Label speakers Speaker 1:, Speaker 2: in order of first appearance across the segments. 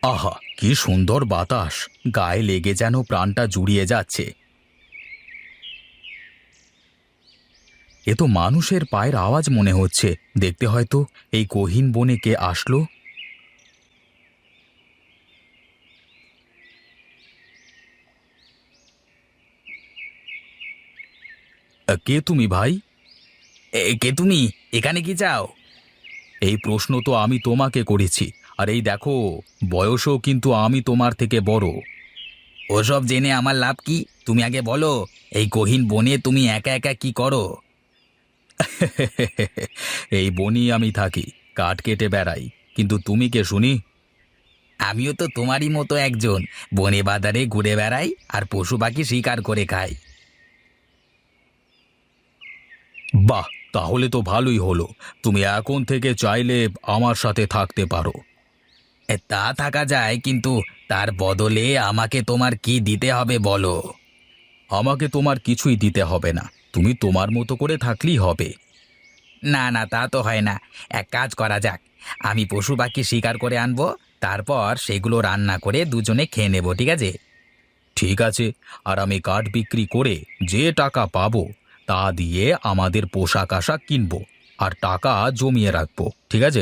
Speaker 1: আহা, কি সুন্দর বাতাস! গায়ে লেগে যেন প্রাণটা জুড়িয়ে যাচ্ছে। এ তো মানুষের পায়ের আওয়াজ মনে হচ্ছে। দেখতে হয়তো এই গহীন বনে কে আসলো। কে তুমি ভাই? কে তুমি? এখানে কি চাও? এই প্রশ্ন তো আমি তোমাকে করেছি। আর এই দেখো, বয়সও কিন্তু আমি তোমার থেকে বড়। ওসব জেনে আমার লাভ কি? তুমি আগে বলো, এই গহীন বনে তুমি একা একা কি করো? এই বনই আমি থাকি, কাঠ কেটে বেড়াই। কিন্তু তুমি কে শুনি? আমিও তো তোমারই মতো একজন, বনে বাজারে ঘুরে বেড়াই আর পশু পাখি শিকার করে খাই। বাহ, তাহলে তো ভালোই হলো। তুমি এখন থেকে চাইলে আমার সাথে থাকতে পারো। তা থাকা যায়, কিন্তু তার বদলে আমাকে তোমার কি দিতে হবে বলো? আমাকে তোমার কিছুই দিতে হবে না, তুমি তোমার মতো করে থাকলেই হবে। না না, তা তো হয় না। এক কাজ করা যাক, আমি পশু পাখি শিকার করে আনবো, তারপর সেগুলো রান্না করে দুজনে খেয়ে নেব, ঠিক আছে? ঠিক আছে। আর আমি কাঠ বিক্রি করে যে টাকা পাবো তা দিয়ে আমাদের পোশাক আশাক কিনবো, আর টাকা জমিয়ে রাখবো, ঠিক আছে?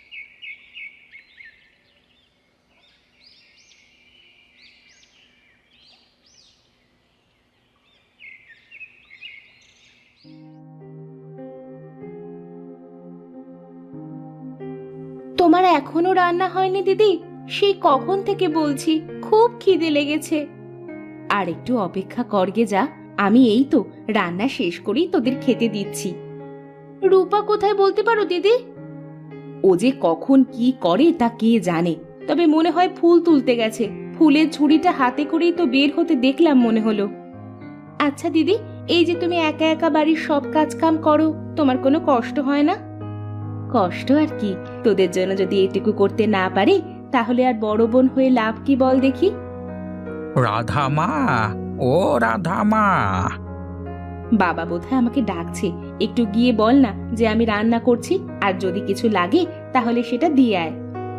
Speaker 2: তোমার এখনো রান্না হয়নি দিদি? সেই কখন থেকে বলছি, খুব খিদে লেগেছে। আর একটু অপেক্ষা করগে যা, আমি এই তো রান্না শেষ করেই তোদের খেতে দিচ্ছি। রূপা কোথায় বলতে পারো দিদি? ও যে কখন কি করে তা কে জানে, তবে মনে হয় ফুল তুলতে গেছে। ফুলের ঝুড়িটা হাতে করেই তো বের হতে দেখলাম মনে হলো। আচ্ছা দিদি, এই যে তুমি একা একা বাড়ির সব কাজ কাম করো, তোমার কোনো কষ্ট হয় না? কষ্ট আর কি, তোদের জন্য যদি এটুকু করতে না পারি তাহলে আর বড় বোন হয়ে লাভ কি বল দেখি?
Speaker 1: রাধামা, ও রাধামা!
Speaker 2: বাবা বোধহয় আমাকে ডাকছে, একটু গিয়ে বল না যে আমি রান্না করছি, আর যদি কিছু লাগে তাহলে সেটা দিয়ে আয়।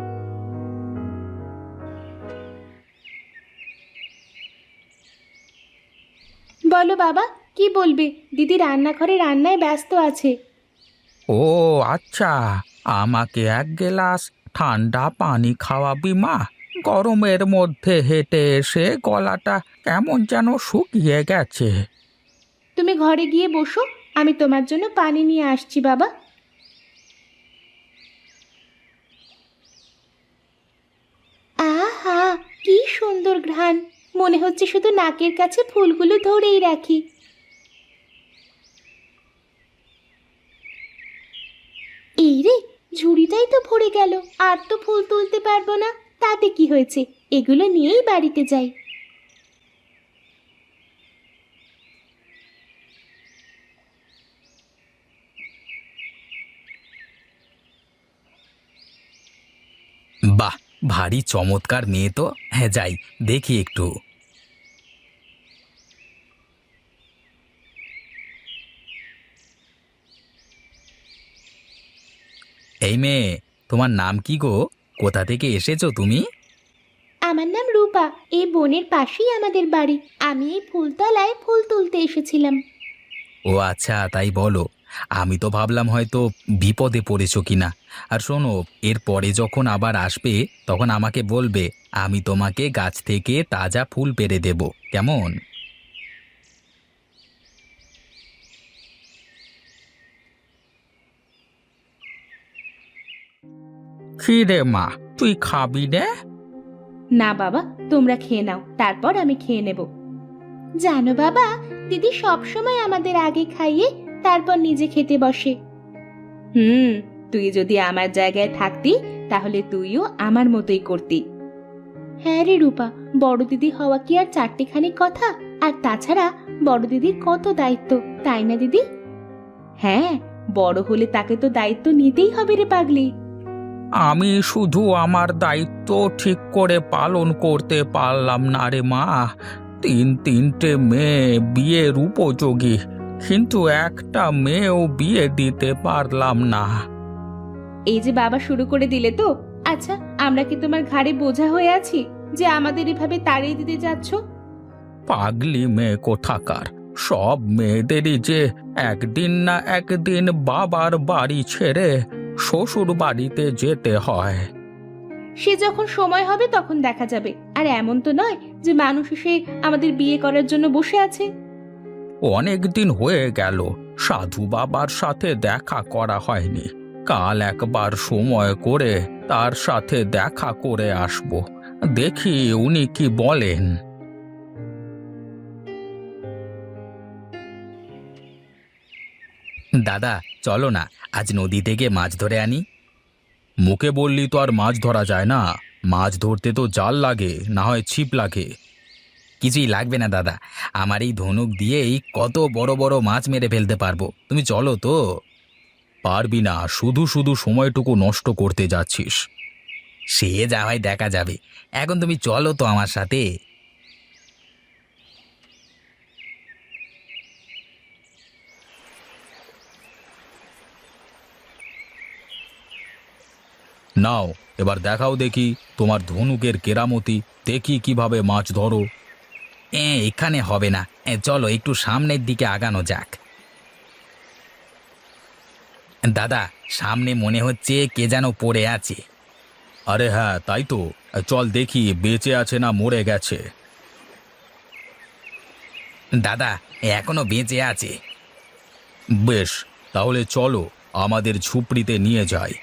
Speaker 2: বলো বাবা, কি বলবে? দিদি রান্নাঘরে রান্নায় ব্যস্ত আছে।
Speaker 1: ও আচ্ছা, আমাকে এক গ্লাস ঠান্ডা পানি খাওয়াবি মা? গরমের মধ্যে হেঁটে এসে গলাটা কেমন যেন শুকিয়ে গেছে।
Speaker 2: তুমি ঘরে গিয়ে বসো, আমি তোমার জন্য পানি নিয়ে আসছি বাবা। আহা, কি সুন্দর ঘ্রাণ! মনে হচ্ছে শুধু নাকের কাছে ফুলগুলো ধরেই রাখি। এই রে, ঝুড়িটাই তো ভরে গেল, আর তো ফুল তুলতে পারবো না। তাতে কি হয়েছে, এগুলো নিয়েই বাড়িতে যাই।
Speaker 1: বাহ, ভারী চমৎকার মেয়ে তো। হ্যাঁ, যাই দেখি একটু। এই মেয়ে, তোমার নাম কি গো? কোথা থেকে এসেছো তুমি?
Speaker 2: আমার নাম রূপা, এই বনের পাশেই আমাদের বাড়ি। আমি এই ফুলতলায় ফুল তুলতে এসেছিলাম।
Speaker 1: ও আচ্ছা, তাই বলো। আমি তো ভাবলাম হয়তো বিপদে পড়েছো কিনা। আর শোনো, এর পরে যখন আবার আসবে তখন আমাকে বলবে, আমি তোমাকে গাছ থেকে তাজা ফুল পেড়ে দেব, কেমন? কি রে মা, তুই খাবি রে?
Speaker 2: না বাবা, তোমরা খেয়ে নাও, তারপর আমি খেয়ে নেব। জানো বাবা, দিদি সব সময় আমাদের আগে খাইয়ে তারপর নিজে খেতে বসে। তুই যদি আমার জায়গায় থাকতি তাহলে তুইও আমার মতোই করতি। হ্যাঁ রে রূপা, বড় দিদি হওয়া কি আর চারটেখানি কথা? আর তাছাড়া বড় দিদির কত দায়িত্ব, তাই না দিদি? হ্যাঁ, বড় হলে তাকে তো দায়িত্ব নিতেই হবে রে পাগলি।
Speaker 1: আমি শুধু আমার দায়িত্ব ঠিক করে পালন করতে পারলাম না রে মা। তিনটে মেয়ে বিয়ের উপযোগী, কিন্তু একটা মেয়েও বিয়ে দিতে পারলাম না।
Speaker 2: এই যে বাবা শুরু করে দিলে তো, আচ্ছা, আমরা কি তোমার ঘাড়ে বোঝা হয়ে আছি যে আমাদের এভাবে তাড়িয়ে দিতে যাচ্ছ?
Speaker 1: পাগলি মেয়ে কোথাকার! সব মেয়েদেরই যে একদিন না একদিন বাবার বাড়ি ছেড়ে শ্বশুর বাড়িতে যেতে হয়।
Speaker 2: সে যখন সময় হবে তখন দেখা যাবে। আর এমন তো নয় যে মানুষ এসে আমাদের বিয়ে করার জন্য বসে আছে।
Speaker 1: অনেক দিন হয়ে গেল সাধু বাবার সাথে দেখা করা হয়নি। কাল একবার সময় করে তার সাথে দেখা করে আসব, দেখি উনি কি বলেন। দাদা, চলো না, আজ নদী থেকে মাছ ধরে আনি। মুখে বললি তো আর মাছ ধরা যায় না। মাছ ধরতে তো জাল লাগে, না হয় ছিপ লাগে। কিছুই লাগবে না দাদা, আমার এই ধনুক দিয়েই কত বড় বড় মাছ মেরে ফেলতে পারবো। তুমি চলো তো। পারবি না, শুধু শুধু সময়টুকু নষ্ট করতে যাচ্ছিস। সে যা হয় দেখা যাবে, এখন তুমি চলো তো আমার সাথে। নাও, এবার দেখাও দেখি তোমার ধনুকের কেরামতি, দেখি কিভাবে মাছ ধরো। এখানে হবে না, চলো একটু সামনের দিকে আগানো যাক। দাদা, সামনে মনে হচ্ছে কে যেন পড়ে আছে। আরে হ্যাঁ, তাই তো। চল দেখি বেঁচে আছে না মরে গেছে। দাদা, এখনো বেঁচে আছে। বেশ, তাহলে চলো আমাদের ঝুপড়িতে নিয়ে যাই।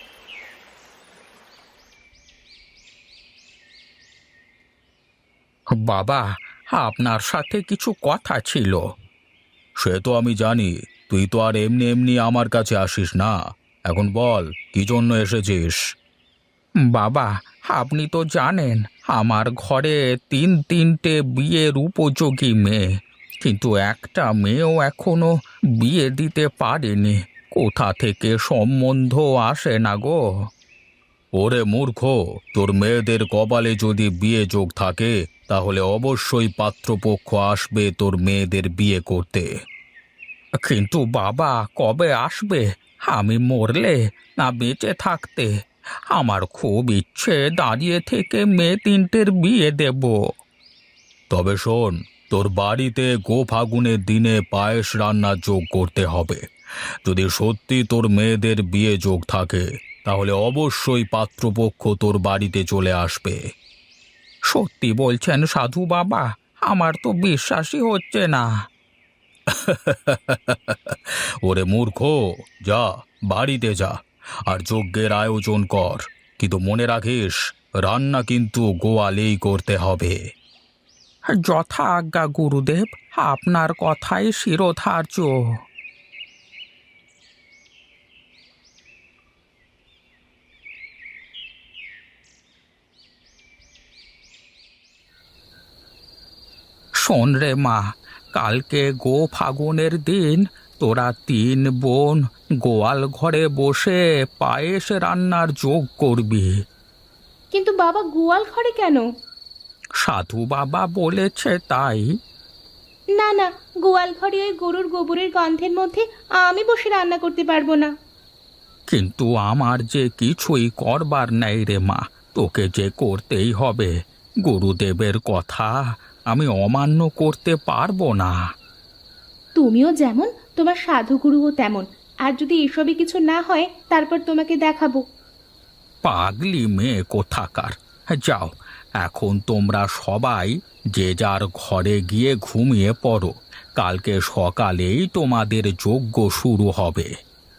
Speaker 1: বাবা, আপনার সাথে কিছু কথা ছিল। সে তো আমি জানি, তুই তো আর এমনি এমনি আমার কাছে আসিস না। এখন বল, কি জন্য এসেছিস? বাবা, আপনি তো জানেন আমার ঘরে তিনটে বিয়ের উপযোগী মেয়ে, কিন্তু একটা মেয়েও এখনো বিয়ে দিতে পারেনি। কোথা থেকে সম্বন্ধ আসে না গো। ওরে মূর্খ, তোর মেয়েদের কপালে যদি বিয়ে যোগ থাকে তাহলে অবশ্যই পাত্রপক্ষ আসবে তোর মেয়েদের বিয়ে করতে। কিন্তু বাবা, কবে আসবে? আমি মরলে না বেঁচে থাকতে? আমার খুব ইচ্ছে দাঁড়িয়ে থেকে মেয়ে তিনটের বিয়ে দেব। তবে শোন, তোর বাড়িতে ফাগুনের দিনে পায়েস রান্না যোগ করতে হবে। যদি সত্যি তোর মেয়েদের বিয়ে যোগ থাকে তাহলে অবশ্যই পাত্রপক্ষ তোর বাড়িতে চলে আসবে। সত্যি বলছেন সাধু বাবা? আমার তো বিশ্বাসই হচ্ছে না। ওরে মূর্খ, যা, বাড়িতে যা, আর যজ্ঞের আয়োজন কর। কিন্তু মনে রাখিস, রান্না কিন্তু গোয়ালেই করতে হবে। যথা আজ্ঞা গুরুদেব, আপনার কথাই শিরোধার্য। শোন রে মা, কালকে ফাগুনের দিন তোরা তিন বোন গোয়াল ঘরে বসে পায়েস রান্নার যোগ করবি।
Speaker 2: কিন্তু বাবা, গোয়াল ঘরে কেন?
Speaker 1: সাধু বাবা বলেছে তাই।
Speaker 2: না না, গোয়াল ঘরে ওই গরুর গোবরের গন্ধের মধ্যে আমি বসে রান্না করতে পারবো না।
Speaker 1: কিন্তু আমার যে কিছুই করবার নেই রে মা, তোকে যে করতেই হবে। গুরুদেবের কথা আমি অমান্য করতে পারবো না।
Speaker 2: তুমিও যেমন, তোমার সাধুগুরুও তেমন। আর যদি এসবই কিছু না হয় তারপর তোমাকে দেখাবো।
Speaker 1: পাগলি মেয়ে কোথাকার! যাও, এখন তোমরা সবাই যে যার ঘরে গিয়ে ঘুমিয়ে পড়ো। কালকে সকালেই তোমাদের যজ্ঞ শুরু হবে।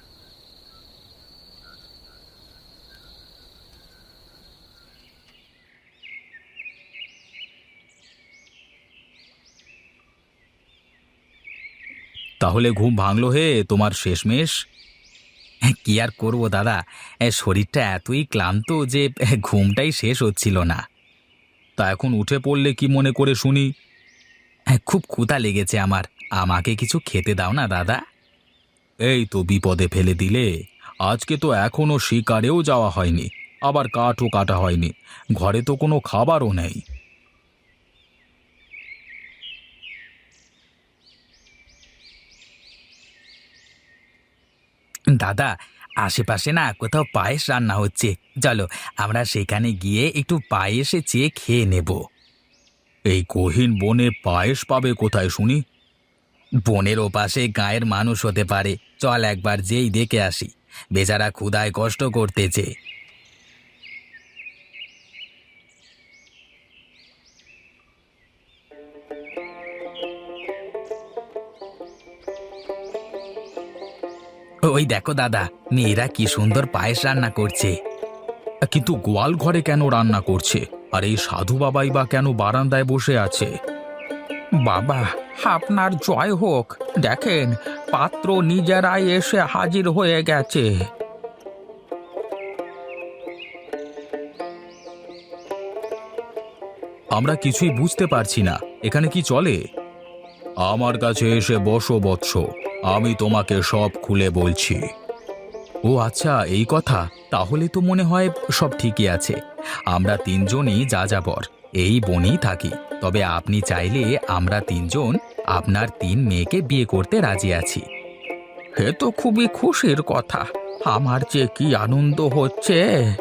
Speaker 1: তাহলে ঘুম ভাঙলো হে তোমার শেষমেশ? কি আর করব দাদা, শরীরটা এতই ক্লান্ত যে ঘুমটাই শেষ হচ্ছিল না। তা এখন উঠে পড়লে কি মনে করে শুনি? খুব ক্ষুধা লেগেছে আমার, আমাকে কিছু খেতে দাও না দাদা। এই তো বিপদে ফেলে দিলে। আজকে তো এখনো শিকারেও যাওয়া হয়নি, আবার কাঠও কাটা হয়নি, ঘরে তো কোনো খাবারও নেই। দাদা, আশেপাশে না কোথাও পায়েস রান্না হচ্ছে, চলো আমরা সেখানে গিয়ে একটু পায়েসে চেয়ে খেয়ে নেব। এই গহীন বনে পায়েস পাবে কোথায় শুনি? বনের ওপাশে গায়ের মানুষ হতে পারে, চল একবার যেই দেখে আসি। বেচারা ক্ষুধায় কষ্ট করতেছে। ওই দেখো দাদা, মেয়েরা কি সুন্দর পায়েস রান্না করছে। কিন্তু গোয়াল ঘরে কেন রান্না করছে, আর এই সাধু বাবাই বা কেন বারান্দায় বসে আছে? বাবা, আপনার জয় হোক, দেখেন পাত্র নিজেরাই এসে হাজির হয়ে গেছে। আমরা কিছুই বুঝতে পারছি না, এখানে কি চলে? আমার কাছে এসে বসো বৎস, আমি তোমাকে সব খুলে বলছি। ও আচ্ছা, এই কথা। তাহলে তো মনে হয় সব ঠিকই আছে। আমরা তিনজনই যাযাবর, এই বনেই থাকি। তবে আপনি চাইলে আমরা তিনজন আপনার তিন মেয়েকে বিয়ে করতে রাজি আছি। এ তো খুবই খুশির কথা, আমার যে কি আনন্দ হচ্ছে।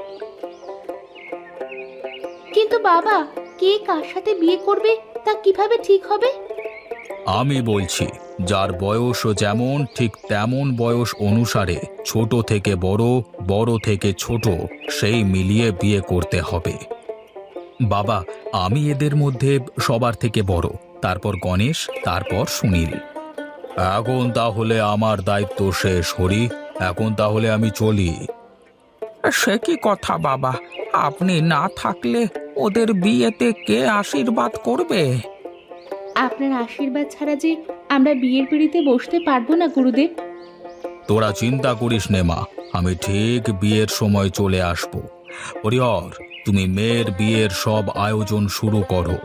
Speaker 2: কিন্তু বাবা, কে কার সাথে বিয়ে করবে তা কিভাবে ঠিক হবে?
Speaker 1: আমি বলছি, যার বয়স যেমন ঠিক তেমন বয়স অনুসারে ছোট থেকে বড়, বড় থেকে ছোট, সেই মিলিয়ে বিয়ে করতে হবে। বাবা, আমি এদের মধ্যে সবার থেকে বড়, তারপর গণেশ, তারপর সুনীল। এখন তাহলে আমার দায়িত্ব শেষ হরি, এখন তাহলে আমি চলি। সে কি কথা বাবা, আপনি না থাকলে ওদের বিয়েতে কে আশীর্বাদ করবে?
Speaker 2: আপনার আশীর্বাদ ছাড়া যে আমরা বিয়ের পিঁড়িতে বসতে পারবো না গুরুদেব।
Speaker 1: তোরা চিন্তা করিস নে মা, আমি ঠিক বিয়ের সময় চলে আসব। হরিহর, তুমি মেয়ের বিয়ের সব আয়োজন শুরু করো।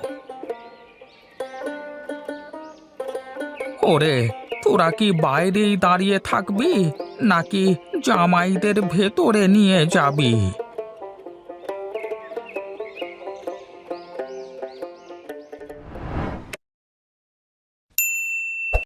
Speaker 1: ওরে, তোরা কি বাইরেই দাঁড়িয়ে থাকবি নাকি জামাইদের ভেতরে নিয়ে যাবি?